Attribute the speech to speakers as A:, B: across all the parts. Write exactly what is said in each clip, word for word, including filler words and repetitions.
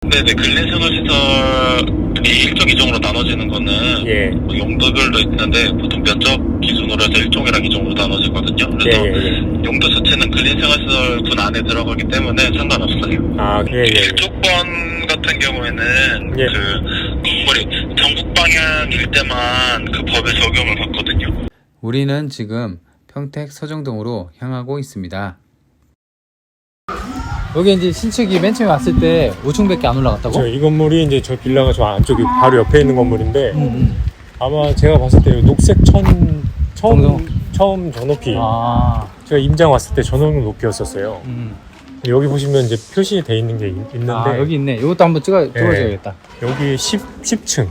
A: 네네, 근린생활시설이 일종, 이종으로 나눠지는 거는
B: 예.
A: 뭐 용도별로 있는데 보통 면적 기준으로 해서 일종이랑 이종으로 나눠지거든요. 그래서
B: 예, 예, 예.
A: 용도 자체는 근린생활시설군 안에 들어가기 때문에 상관없어요.
B: 아, 예, 예. 예.
A: 일조권 같은 경우에는
B: 예.
A: 그 건물이 전국 방향일 때만 그 법의 적용을 받거든요.
C: 우리는 지금 평택 서정동으로 향하고 있습니다. 여기 이제 신축이 맨 처음에 왔을 때 오 층밖에 안 올라갔다고?
B: 저 이 건물이 이제 저 빌라가 저 안쪽에 바로 옆에 있는 건물인데
C: 음, 음.
B: 아마 제가 봤을 때 녹색 천 처음
C: 정성?
B: 처음 저 높이
C: 아,
B: 제가 임장 왔을 때 저 높이였었어요.
C: 음.
B: 여기 보시면 이제 표시돼 있는 게 있, 있는데
C: 아 여기 있네. 이것도 한번 찍어 찍어줘야겠다.
B: 여기 십, 십 층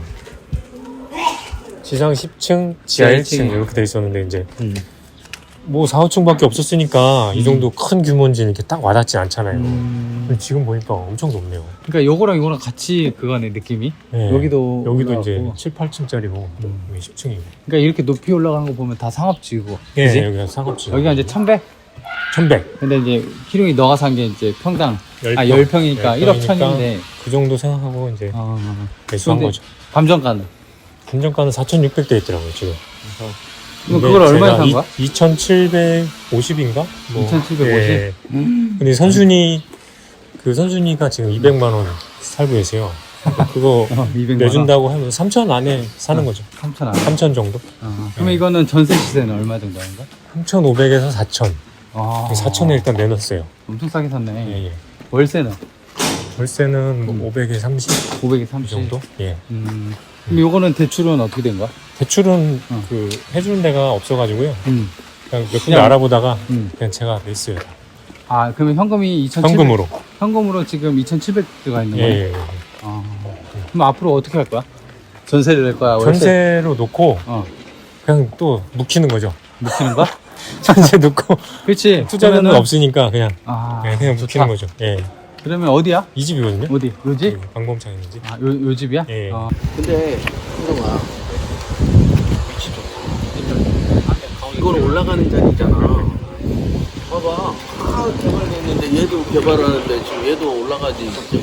B: 지상 십 층 지하 일 층 이렇게 돼 있었는데 이제
C: 음.
B: 뭐 사, 오 층밖에 없었으니까
C: 음.
B: 이 정도 큰 규모인지 이렇게 딱 와닿지 않잖아요.
C: 음.
B: 근데 지금 보니까 엄청 높네요.
C: 그러니까 요거랑 요거랑 같이 그거네 느낌이.
B: 네.
C: 여기도
B: 여기도
C: 올라가고.
B: 이제 칠, 팔 층짜리고
C: 음.
B: 여기 십 층이고.
C: 그러니까 이렇게 높이 올라가는 거 보면 다 상업지고.
B: 예,
C: 그지?
B: 여기가 상업지.
C: 여기가 이제 천백.
B: 천백.
C: 근데 이제 희룡이 너가 산 게 이제 평당
B: 열
C: 아
B: 평.
C: 열 평이니까
B: 열
C: 일억
B: 평이니까
C: 천인데.
B: 그 정도 생각하고 이제
C: 어.
B: 매수한
C: 근데
B: 거죠.
C: 감정가는.
B: 감정가는 사천육백 대 있더라고요 지금.
C: 그럼 그걸 얼마에 산 거야?
B: 이천칠백오십인가? 뭐,
C: 이천칠백오십?
B: 예.
C: 음.
B: 근데 선순위 그 선순위가 지금 이백만 원 살고 계세요. 그러니까 그거
C: 어, 이백만 원.
B: 내준다고 하면 삼천 안에 사는
C: 어.
B: 거죠.
C: 삼천 안.
B: 삼천 정도?
C: 어. 그러면 이거는 전세 시세는 얼마 정도 하는가?
B: 삼천오백에서 사천.
C: 아.
B: 사천에 일단 내놨어요.
C: 엄청 싸게 샀네.
B: 예, 예.
C: 월세는
B: 월세는 뭐
C: 음.
B: 오백에 삼십
C: 오백에
B: 이
C: 삼십
B: 정도? 예.
C: 음. 그럼 요거는 대출은 어떻게 된 거야?
B: 대출은
C: 어.
B: 그 해주는 데가 없어가지고요.
C: 음.
B: 그냥 몇 군데
C: 그냥-
B: 알아보다가
C: 음.
B: 그냥 제가 냈어요. 다.
C: 아, 그러면 현금이 이천칠백.
B: 현금으로.
C: 현금으로 지금 이천칠백 들어가 있는
B: 예,
C: 거네.
B: 예, 예.
C: 아. 그럼 앞으로 어떻게 할 거야? 전세를 낼 거야? 월세?
B: 전세로 놓고
C: 어.
B: 그냥 또 묵히는 거죠.
C: 묵히는 거야?
B: 전세 놓고
C: 그렇지.
B: 투자는
C: 그러면은-
B: 없으니까 그냥
C: 아,
B: 네, 그냥
C: 좋다.
B: 묵히는 거죠. 예.
C: 그러면 어디야?
B: 이 집이거든요.
C: 어디? 요 집?
B: 그 방범창 있는 집.
C: 아, 요, 요 집이야?
B: 예.
C: 어.
D: 근데 형아 이건 올라가는 자리잖아. 봐봐. 아 개발됐는데 얘도 개발하는데 지금 얘도 올라가지.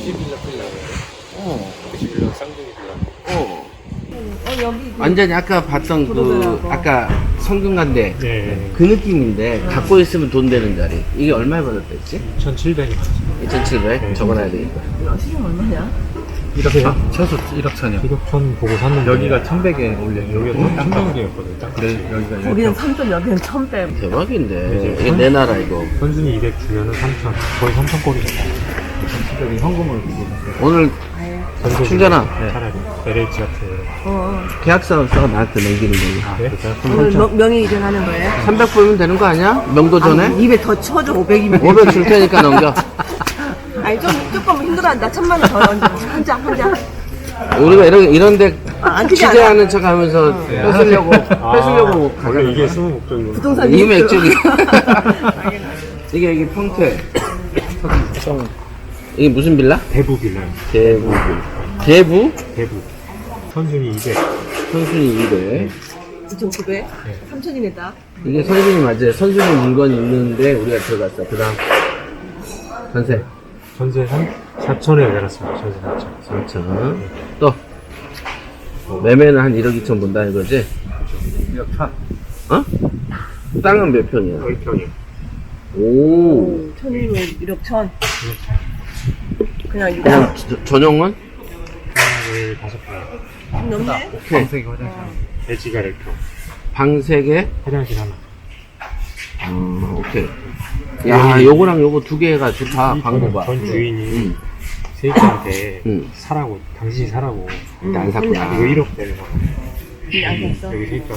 D: 어. 어. 완전히 아까 봤던 그 아까 성균관대
B: 네.
D: 그 느낌인데 갖고 있으면 돈 되는 자리. 이게 얼마에 받았댔지?
B: 이천칠백.
D: 이천칠백
B: 네.
D: 적어놔야 되겠다.
E: 시중 얼마냐?
C: 일억 천? 최소 일억 천이요.
B: 일억 천 보고 샀는데
C: 여기가 천백에 올려. 여기가
B: 천백이었거든요. 딱
C: 네, 여기가
E: 우리는 삼천, 여기는 천백.
D: 대박인데 이게 내 나라 이거.
B: 선순위 이백 주면은 삼천. 거의 삼천 꼴이죠.
C: 천백이 현금으로 주고.
D: 오늘 충전아
B: 차라리 엘에이치 같은.
E: 어.
D: 계약서 써 나한테 넘기는 거지.
B: 네?
E: 오늘 명- 명의 이전하는 거예요?
D: 삼백 불면 되는 거 아니야? 명도 전에?
E: 아니, 입에 더 쳐줘, 오백이면.
D: 오백 줄 테니까 넘겨.
E: 아니, 좀, 조금 힘들어한다. 천만 원 더 얹어. 한 장, 한 장.
D: 우리가 이런 이런데
E: 아, 안 크지 않아.
D: 취재하는 척 하면서 뺏으려고 뺏으려고
B: 아, 원래 이게 쓰는 목적이구나.
E: 부동산
D: 이
E: 리스크.
D: 맥주기. 이게 이게 평택. 이게 무슨 빌라?
B: 대부 빌라요.
D: 대부. 대부?
B: 대부. 선순위 이백.
D: 선순위 이백.
E: 이천구백? 삼천이네, 딱.
D: 이게 선순위 맞아요. 선순위 물건이 있는데 우리가 들어갔어. 그다음 전세
B: 전세 사천에 내놨습니다. 전세 사천.
D: 삼천. 또 매매는 한 일억 이천 본다 이거지?
C: 일억 천.
D: 어? 땅은 몇 평이야?
B: 열 평이요.
D: 오.
E: 천이면 일억 천. 그냥 이거
D: 그냥 저- 전용은?
B: 열 다섯 평.
E: 넘네?
D: 오케이.
C: 방석이 화장실.
B: 대지가 열 평.
D: 방 세 개?
B: 화장실 하나.
D: 어, 오케이. 야, 요거랑 요거 두 개가 좋다. 방법 봐.
B: 전 주인이
D: 응.
B: 세입자한테
D: 응.
B: 사라고, 당신이 사라고.
D: 근데 안 샀구나.
B: 이거 일억 되는 거.
E: 근데 안 샀어.
B: 여기 세입자.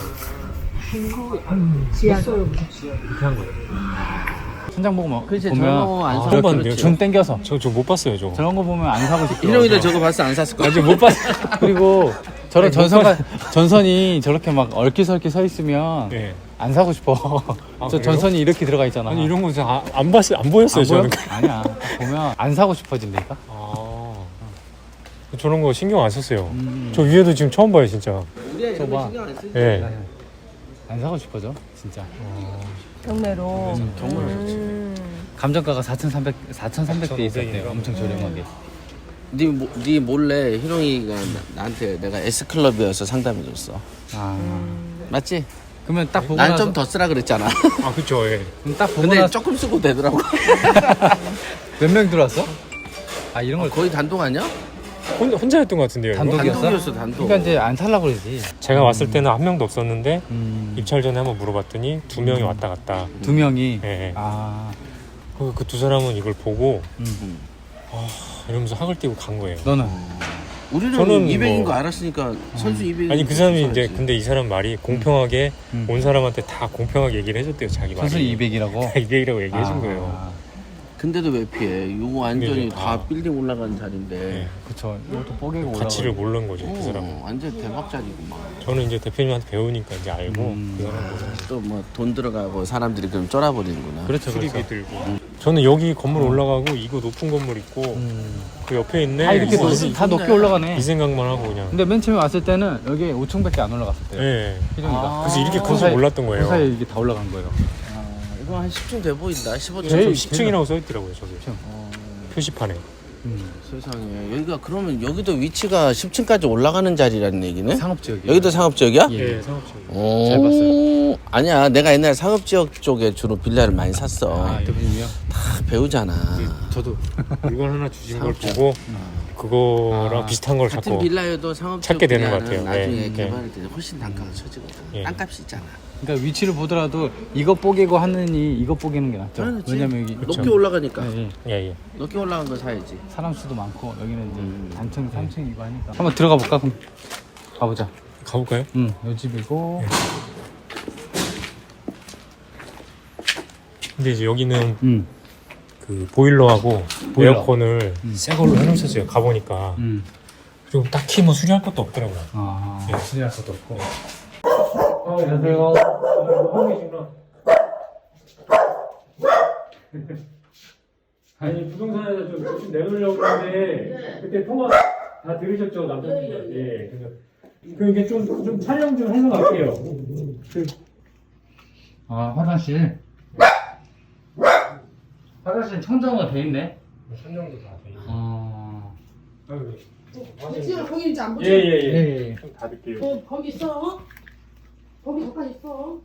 E: 지하.
B: 이렇게 한 거예요.
C: 천장 보고 막
D: 그치,
C: 보면
D: 저런 거안
B: 아,
D: 사고
B: 처음
D: 그렇지.
B: 봤는데요.
C: 줌 땡겨서
B: 저, 저 못 봤어요, 저거.
C: 저런 거 보면 안 사고 싶어.
D: 희룡이도 저거 봤어? 안 샀을 거야?
C: 아직 못 봤어. 그리고 저런 전선가 전선이 저렇게 막 얼기설기 서 있으면
B: 네.
C: 안 사고 싶어.
B: 아,
C: 저
B: 그래요?
C: 전선이 이렇게 들어가 있잖아.
B: 아니, 이런 거 진짜 아- 안 봤어요. 안 보였어요,
C: 안 보여?
B: 저는.
C: 아니야. 딱 보면 안 사고 싶어진다니까.
B: 아. 저런 거 신경 안 썼어요.
C: 음.
B: 저 위에도 지금 처음 봐요, 진짜.
D: 우리가 이런
C: 저봐.
D: 거 신경 안 쓰지.
B: 예.
C: 안 사고 싶어져, 진짜.
E: 경매로.
C: 정말
E: 음.
C: 감정가가 사천삼백, 사천삼백 대 있었대요.
B: 사천오백인가?
C: 엄청 저렴하게.
D: 네, 모, 네 몰래 희롱이가 나, 나한테 내가 S클럽이어서 상담해줬어.
C: 아
D: 맞지?
C: 그러면 딱 보고
D: 난
C: 나서
D: 좀 더 쓰라 그랬잖아.
B: 아 그쵸. 예.
C: 그럼 딱 보고
D: 근데
C: 나서
D: 조금 쓰고 되더라고.
C: 몇 명 들어왔어? 아 이런 걸
D: 거의 단독 아니야?
B: 혼, 혼자였던 것 같은데요. 이거?
C: 단독이었어?
D: 단독이었어 단독.
C: 그러니까 이제 안 살라고 그러지.
B: 제가 왔을 때는 한 명도 없었는데
C: 음.
B: 입찰 전에 한번 물어봤더니 두 명이 왔다 갔다.
C: 두 명이.
B: 예. 예.
C: 아.
B: 그 두 사람은 이걸 보고
C: 음.
B: 이러면서 학을 띄고 간 거예요.
C: 너는?
D: 우리는
B: 저는
D: 이백인
B: 뭐-
D: 거 알았으니까 선수 이백.
B: 아니 그 사람이 이제 근데 이 사람 말이 공평하게
C: 음.
B: 온 사람한테 다 공평하게 얘기를 해줬대요. 자기 말이.
C: 선수 이백이라고?
B: 이백이라고 얘기해준
C: 아.
B: 거예요.
D: 근데도 왜 피해? 이거 완전히
B: 근데
D: 다
B: 아.
D: 빌딩 올라간 자리인데.
B: 네.
C: 그쵸. 이것도 뽀개고 올라가.
B: 가치를 모르는 거죠. 그
D: 어,
B: 사람은.
D: 완전 대박 자리구만.
B: 저는 이제 대표님한테 배우니까 이제 알고
C: 음.
B: 그 사람 보고
D: 또 뭐 돈 들어가고 사람들이 그럼 쫄아버리는구나.
C: 그렇죠,
B: 수리비
C: 그렇죠.
B: 들고. 저는 여기 건물 올라가고 이거 높은 건물 있고
C: 음.
B: 그 옆에 있네.
C: 다 이렇게
B: 뭐
C: 높,
B: 이-
C: 다 높게 올라가네.
B: 이 생각만 하고 그냥.
C: 근데 맨 처음에 왔을 때는 여기 오 층밖에 안 올라갔었대요.
B: 예.
C: 희룡이가.
D: 아.
B: 그래서 이렇게
C: 그
B: 커서
C: 사이-
B: 몰랐던
C: 그
B: 거예요.
C: 사이에 이게 다 올라간 거예요.
D: 이거 한 십 층 돼 보인다. 십오 층.
B: 저
C: 제일-
B: 십 층이라고 써 있더라고요. 저기
C: 십 층.
D: 어,
B: 표시판에.
C: 음.
D: 세상에. 여기가 그러면 여기도 위치가 십 층까지 올라가는 자리라는 얘기네?
C: 상업지역이.
D: 여기도 상업지역이야?
C: 예.
B: 예, 상업지.
D: 오,
C: 잘 봤어요.
D: 아니야, 내가 옛날 상업지역 쪽에 주로 빌라를 많이 샀어.
C: 아, 대표님이요?
D: 다 배우잖아.
C: 저도.
B: 물건 하나 주신 걸
D: 상업지.
B: 보고 그거랑
C: 아,
B: 비슷한 걸
D: 같은
B: 자꾸.
D: 빌라여도 상업지역
B: 찾게 되는 것
D: 빌라는
B: 같아요.
D: 나중에
B: 예,
D: 개발할 때 훨씬 단가가 쳐지거든.
B: 예.
D: 땅값이 있잖아.
C: 그러니까 위치를 보더라도 이거 뽀개고 하느니 이거 뽀개는 게 낫죠.
D: 그렇지.
C: 왜냐면 여기
B: 그쵸.
D: 높게 올라가니까.
C: 예, 예.
B: 예, 예.
D: 높게 올라간 거 사야지.
C: 사람 수도 많고 여기는 이제
D: 음.
C: 단층 삼 층이고 하니까 한번 들어가 볼까? 그럼 가보자.
B: 가볼까요?
C: 응, 요 집이고.
B: 근데 이제 여기는
C: 응,
B: 그 보일러하고
C: 보일러.
B: 에어컨을 새 걸로 해놓으셨어요. 가보니까.
C: 응.
B: 그리고 딱히 뭐 수리할 것도 없더라고요.
C: 아,
B: 예, 수리할 것도 없고.
C: 안녕하세요.
B: 하고 계시구나. 아니 부동산에서 좀, 좀 내놓으려고 했는데 그때 통화 다 들으셨죠 남편분? 예. 그래서 그 이게 좀 좀 촬영 좀 해서 갈게요. 그
C: 아, 화장실. 화장실 청정화 돼 있네.
B: 선정도 다 돼. 있고.
C: 아,
B: 아유,
E: 지금 거기 이제 안 보죠?
B: 예예예.
C: 예, 예.
B: 좀 닫을게요.
E: 어, 거기 있어. 거기 잠깐 있어.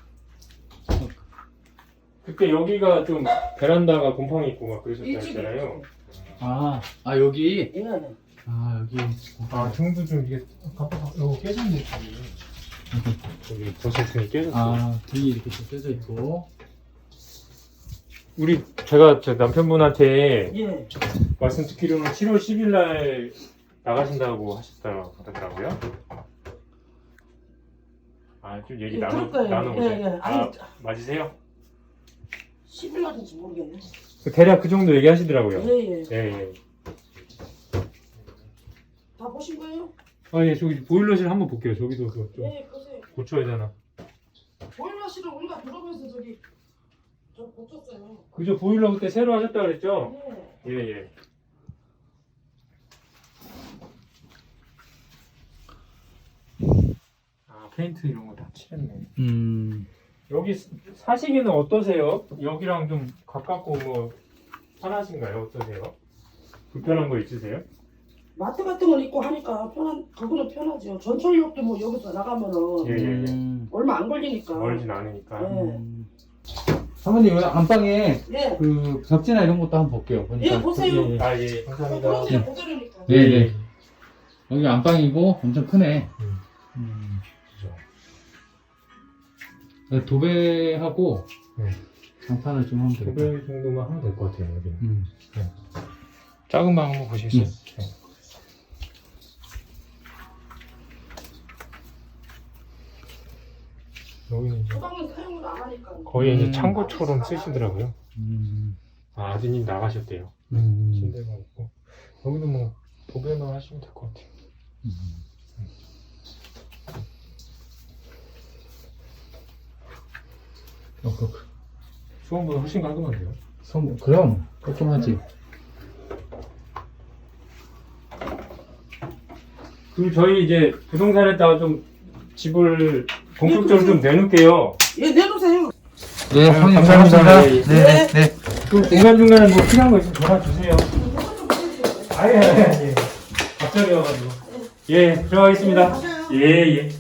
B: 그때 여기가 좀 베란다가 곰팡이 있고 막 그러셨다
E: 일찍
B: 했잖아요.
C: 아, 아 여기.
E: 예.
C: 아 여기.
B: 아 등도 좀 이게 깜빡 이거 깨졌네. 여기 버섯등이 깨졌어.
C: 아 등이 이렇게 좀 껴져 있고.
B: 우리 제가 저 남편분한테
E: 예.
B: 말씀 듣기로는 칠월 십일 날 나가신다고 하셨다고 하더라고요. 아, 좀 얘기
E: 예,
B: 나눠,
E: 그럴 거예요.
B: 나눠보세요.
E: 예, 예.
B: 아,
E: 아니,
B: 맞으세요?
E: 십 일 날인지 모르겠네.
B: 그 대략 그 정도 얘기하시더라고요.
E: 예, 예.
B: 예, 예.
E: 다 보신 거예요?
B: 아, 예, 저기 보일러실 한번 볼게요. 저기도 그거 좀
E: 예, 보세요.
B: 고쳐야 되나.
E: 보일러실을 우리가 들어가면서 저기 저 고쳤어요.
B: 그죠, 보일러 그때 새로 하셨다 그랬죠?
E: 예.
B: 예, 예. 아, 페인트 이런 거 다 칠했네.
C: 음.
B: 여기 사시기는 어떠세요? 여기랑 좀 가깝고 뭐 편하신가요? 어떠세요? 불편한 거 있으세요?
E: 마트 같은 걸 입고 하니까 편한, 그거는 편하죠. 전철역도 뭐 여기서 나가면은
B: 예, 예, 예.
C: 음.
E: 얼마 안 걸리니까.
B: 멀진 않으니까.
E: 예.
C: 음. 사모님 여기 안방에
E: 예.
C: 그 벽지나 이런 것도 한번 볼게요. 보니까.
E: 예, 보세요.
C: 예, 예.
B: 아, 예,
E: 그
B: 감사합니다.
E: 그런 데 보자려니까.
C: 네, 네. 여기 안방이고 엄청 크네.
B: 음.
C: 음.
B: 그죠.
C: 도배하고
B: 네.
C: 장판을 좀 하면 되겠다.
B: 두 배 정도만 하면 될 것 같아요, 여기는.
C: 음.
B: 작은 방 한번 보시겠어요?
C: 음.
B: 네. 여기는 이제
E: 주방은 사용을 안 하니까.
B: 거의 이제
C: 음.
B: 창고처럼 쓰시더라고요.
C: 음.
B: 아, 아드님 나가셨대요.
C: 음.
B: 침대가 없고. 여기도 뭐 도배만 하시면 될 것 같아요.
C: 음. 어, 그,
B: 수원보다 훨씬 깔끔한데요?
C: 성, 그럼 깔끔하지.
B: 그리고 저희 이제 부동산에다가 좀 집을 본격적으로 좀 내놓을게요.
E: 예, 내놓으세요.
C: 네,
B: 아유,
C: 형님
B: 감사합니다.
C: 고맙습니다.
B: 예, 예.
C: 네, 네.
B: 그 중간중간에 뭐 필요한 거 있으면 전화 주세요. 아니, 아니, 아니. 갑자기 와가지고. 예, 들어가겠습니다.
E: 가세요.
B: 예, 예.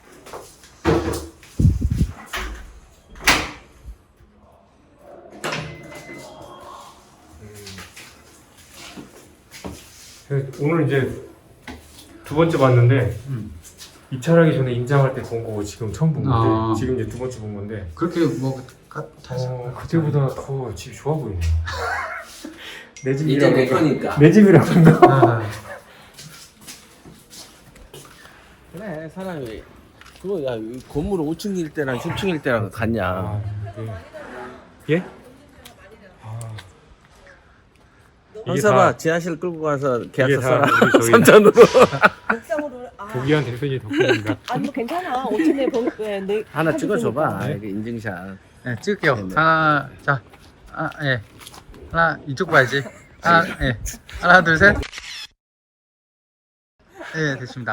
B: 음. 오늘 이제 두 번째 봤는데 입찰하기 전에 임장할 때 본 거고 지금 처음 본 건데
C: 아.
B: 지금 이제 두 번째 본 건데
C: 그렇게 뭐 다시
B: 어, 그때보다 더 집이 좋아 보이네. 내
D: 이제
B: 집이라고
D: 내 거니까.
B: 내 집이라고 한다.
C: 아,
D: 그래 사람이 그거 야 건물 오 층일 때랑 십 층일 때랑 같냐.
B: 아, 네. 예? 이게
D: 형사봐
B: 다
D: 지하실 끌고 가서
B: 이게
D: 계약서
B: 다
D: 써라.
B: 우리 저희
D: 삼천으로.
E: 옥상으로 아,
B: 고귀한 대표님 덕분입니다.
E: 아니 뭐 괜찮아. 오천에 번 네, 네,
D: 하나 찍어줘봐.
B: 네.
D: 이게 인증샷.
C: 네, 찍을게요.
D: 네네.
C: 하나, 자, 아, 예. 하나, 이쪽 봐야지. 하나, 예. 하나, 둘, 셋. 예, 됐습니다.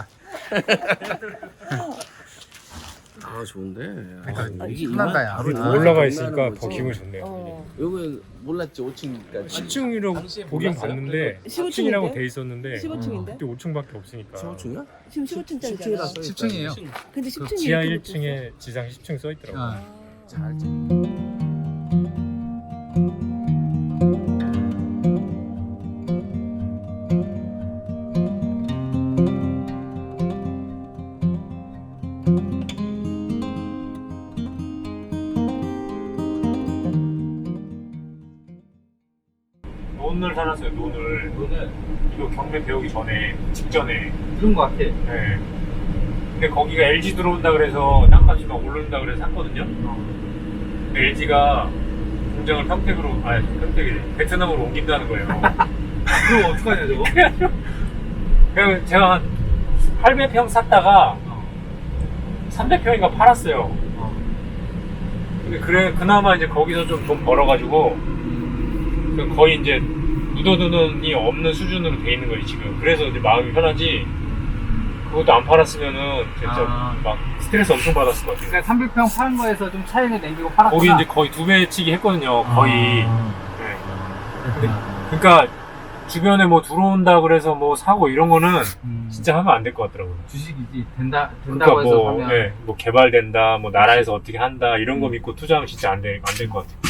D: 아 좋은데.
C: 그러니까
D: 아, 이게
C: 편하다,
D: 이만
C: 야.
D: 바로
C: 아,
D: 이만
B: 올라가
D: 끝나는
B: 있으니까
D: 거지.
B: 더 기분이 좋네요.
E: 어.
D: 여기 몰랐지 오 층이니까.
B: 십 층이라고 보긴 봤는데
E: 십오
B: 십 층이라고
E: 층인데?
B: 돼 있었는데
E: 십오 층인데?
B: 그때 오 층밖에 없으니까
D: 십오 층이야?
E: 지금 십오 층짜리잖아.
C: 십 층이에요.
E: 근데 십
B: 그
E: 층이
B: 지하
E: 이렇게
B: 일 층에 지상 십 층 써 있더라고요.
C: 아,
D: 잘 찍.
B: 논을 살았어요. 논을. 논을 이거 경매 배우기 전에 직전에.
C: 그런 거 같아.
B: 네. 근데 거기가 엘지 들어온다 그래서 땅값이 막 오른다 그래서 샀거든요. 근데 엘지가 공장을 평택으로 아 평택이 베트남으로 옮긴다는 거예요.
C: 그럼 어떡하냐, 저거?
B: 그냥 제가 한 팔백 평 샀다가 삼백 평인가 팔았어요. 근데 그래 그나마 이제 거기서 좀 돈 벌어가지고 거의 이제 묻어두는이 없는 수준으로 돼 있는 거예요 지금. 그래서 이제 마음이 편하지. 그것도 안 팔았으면은 진짜
C: 아.
B: 막 스트레스 엄청 받았을 것 같아요.
C: 그러니까 삼백 평 파는 거에서 좀 차익을 남기고 팔았구나.
B: 거기 이제 거의 두 배치기 했거든요. 거의.
C: 아.
B: 네. 근데 그러니까 주변에 뭐 들어온다 그래서 뭐 사고 이런 거는
C: 음,
B: 진짜 하면 안 될 것 같더라고요.
C: 주식이지. 된다, 된다고
B: 그러니까
C: 해서
B: 뭐,
C: 하면.
B: 네, 뭐 개발된다, 뭐 나라에서 어떻게 한다 이런 거 믿고 투자하면 진짜 안 될 안 될 것 같아요.